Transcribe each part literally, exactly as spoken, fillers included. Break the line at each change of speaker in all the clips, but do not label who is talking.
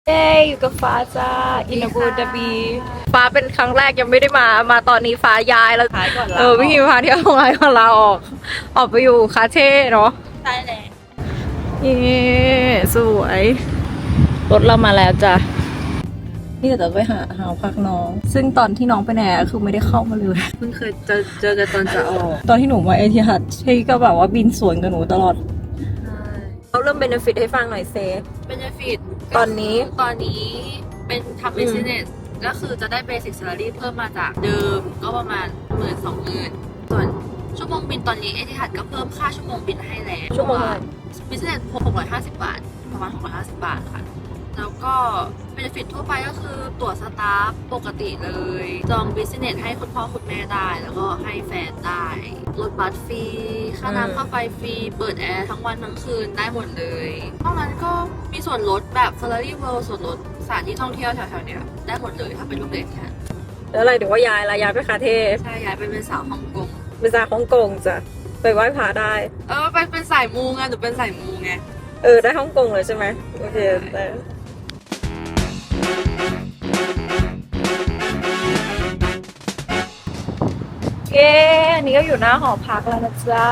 เย้อยู่กับฟ้าจ้าอินบูดาบีฟ้าเป็นครั้งแรกยังไม่ได้มามาตอนนี้ฟ้าย้ายแล้วเออพี่พาเที่ยวโรงแรมของเราออกออกไปอยู่คาเท่เนาะใช่เลยเย้สวยรถเรามาแล้วจ้ะนี่เดี๋ยวจะไปหาหาพักน้องซึ่งตอนที่น้องไปแหนคือไม่ได้เข้ามาเลย
เพิ่งเคยเจอเจอกันตอนจะออก
ตอนที่หนูมาเอทิฮัดที่ก็แบบว่าบินสวนกับหนูตลอดเราเริ่มเบนฟิตให้ฟังหน่อยเซฟ
benefit
ตอนนี้
ตอนนี้เป็นทำ business ก็คือจะได้ basic salary เพิ่มมาจากเดิมก็ประมาณหมื่นสองหมื่นส่วนชั่วโมงบินตอนนี้เอทิฮัดก็เพิ่มค่าชั่วโมงบินให้แล้ว
ชั่วโมง
business หกร้อยห้าสิบบาทประมาณหกร้อยห้าสิบบาทค่ะแล้วก็ benefit ทั่วไปก็คือตั๋วสตาฟปกติเลยจอง business ให้คุณพ่อคุณแม่ได้แล้วก็ให้แฟนได้รถบัสฟรีค่าน้ำค่าไฟฟรีเปิดแอร์ทั้งวันทั้งคืนได้หมดเลยนอกนั้นก็มีส่วนลดแบบ salary world ส่วนลดสถานที่ท่องเที่ยวแถวๆเนี้ยได้หมดเลยถ้าเป็นลูกเด็กค่ะ
แล้วอะไรเดี๋ยวว่าย้ายละย้ายไปคาเท่
ใช่ย้ายไปเป็นสาวฮ่องกง
เป็นสาวฮ่องกงจ้ะไปไหว้พระได้
เออไปเป็นสายมูไงหนูเป็นสายมูไง
เออได้ฮ่องกงเลยใช่ไหมโอเคได้เย้อันนี้ก็อยู่หน้าหอพักแล้วนะจ๊ะ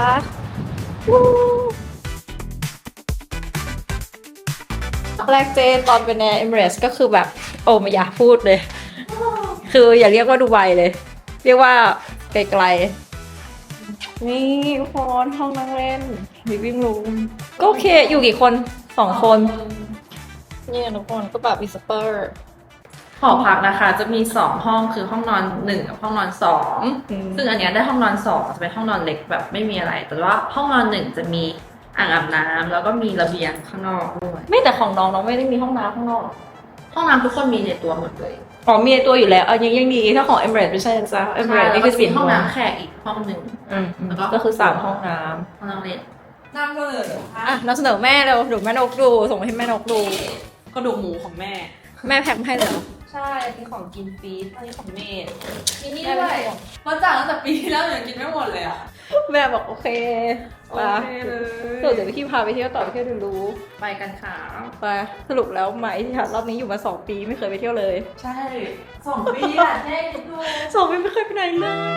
แรกเจนตอนเป็นแอร์เอมิเรตส์ก็คือแบบโอ้ไม่อยากพูดเลยคืออย่าเรียกว่าดูไบเลย เรียกว่าไกลๆนี่ทุกคนห้องนั่งเล่นลิฟวิ่งรูมก็โอเคอยู่กี่คนสองคนนี่ทุกคนก็แบบมีสเปอร์
หอพักนะคะจะมีสองห้องคือห้องนอนหนึ่งกับห้องนอนสองซึ่งอันเนี้ยได้ห้องนอนสองจะเป็นห้องนอนเล็กแบบไม่มีอะไรแต่ว่าห้องนอนหนึ่งจะมีอ่างอาบน้ำแล้วก็มีระเบียงข้างนอกด้วย
ไม่แต่ของน้องน้องไม่ได้มีห้องน้ำข้างนอก
ห้องน้ำทุกคนมีในตัวหมดเลย
อ๋อมีในตัวอยู่แล้วเออยังยังดีถ้าของเอมิเรตส์ไม่ใช่จ้ะเอมิเรตส์นี่คือสี่
ห้องน้ำแขกอีกห้องหนึ่ง
ก็คือสามห้องน้
ำห้องน้ำเล็ก
น้ำก็เลยอ่ะนำเสนอแม่เร็วดูแม่นกดูส่งให้แม่นกดู
กระดูกหมูของแม่
แม่แพ็คให้เลย
ใช่เป็นของกินฟรีอันนี้ของเมดมีนี่ด้วยเพราะจ่ายตั้งแต่ปีที่แล้วยังกินไม่หมดเลยอ่ะ
แม่บอกโอเค
โอเคเลย
เดี๋ยวพี่พาไปเที่ยวต่อไปเที่ยวดูรู้
ไปกันค่ะ
ไปสรุปแล้วไหมที่รอบนี้อยู่มาสองปีไม่เคยไปเที่ยวเลย
ใช่สองปีอ่ะแน่ดู
สองปีไม่เคยไปไหนเลย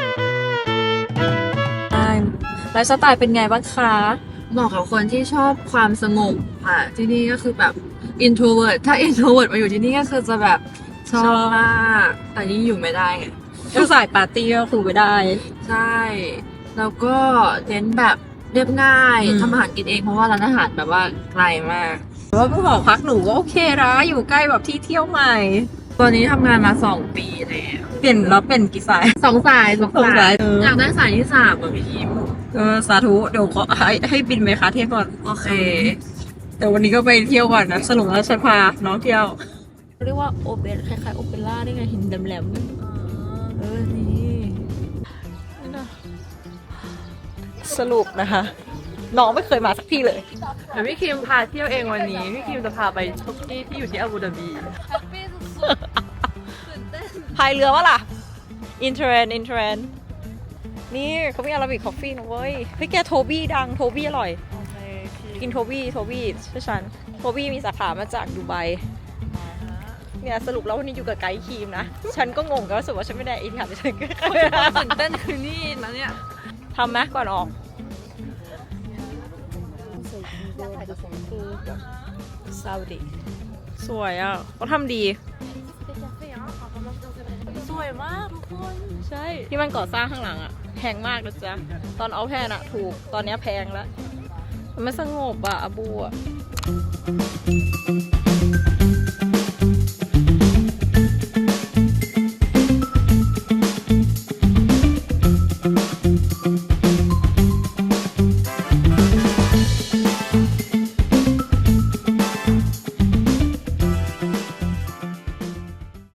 ไลฟ์สไตล์เป็นไงบ้างคะ
เหมาะกับคนที่ชอบความสงบค่ะที่นี่ก็คือแบบ introvert ถ้า introvert มาอยู่ที่นี่ก็คือจะแบบชอบมากแต่นี่อยู่ไม่ได้ไง
ก็สายปาร์ตี้ก็คือไม่ได้
ใช่แล้วก็เน้นแบบเรียบง่ายทำอาหารกินเองเพราะว่าร้านอาหารแบบว่าไกลมาก
แต่ว่าผู้หอพักหนูก็โอเคนะอยู่ใกล้แบบที่เที่ยวใหม่
ตอนนี้ทำงานมาสองปีแล้ว
เปลี่ยนแล้วเป็นกี่สาย
สองสายสองสายอยากได้สายที่สามอ่ะพี่ทิม
เออสาธุเดี๋ยวขอให้ให้บินไปคาเท่ก่อน
โอเค
แต่วันนี้ก็ไปเที่ยวก่อนนะสรุปแล้วฉันพาน้องเที่ยวเรียกว่าโอเปร่าคล้ายๆโอเปร่าได้ไงหินแหลมๆเออนี่สรุปนะคะน้องไม่เคยมาสักที่เลย
เดี๋ยวพี่คิมพาเที่ยวเองวันนี้พี่คิมจะพาไปทุกที่ที่อยู่ที่อาบูดาบี
พายเรือวะล่ะอินเทรนอินเทรนนี่เขามีอาราบิกคอฟฟี่นะเว้ยพี่แกโทบี้ดังโทบี้อร่อยกินโทบี้โทบี้ใช่ฉันโทบี้มีสาขามาจากดูไบเนี่ยสรุปแล้ววันนี้อยู่กับไกด์ครีมนะฉันก็งงก็รู้สึกว่าฉันไม่ได้อินค่ะฉันก็
ตื่นเต้นคือนี่นะเนี่ย
ทำไหมก่อนออกซาอุดิสวยอ่ะเขาทำดี
สวยมากทุกคน
ใช่ที่มันก่อสร้างข้างหลังอ่ะแพงมากนะจ๊ะตอนเอาแพงอ่ะถูกตอนนี้แพงแล้วมันไม่สงบอ่ะอาบูอ่ะ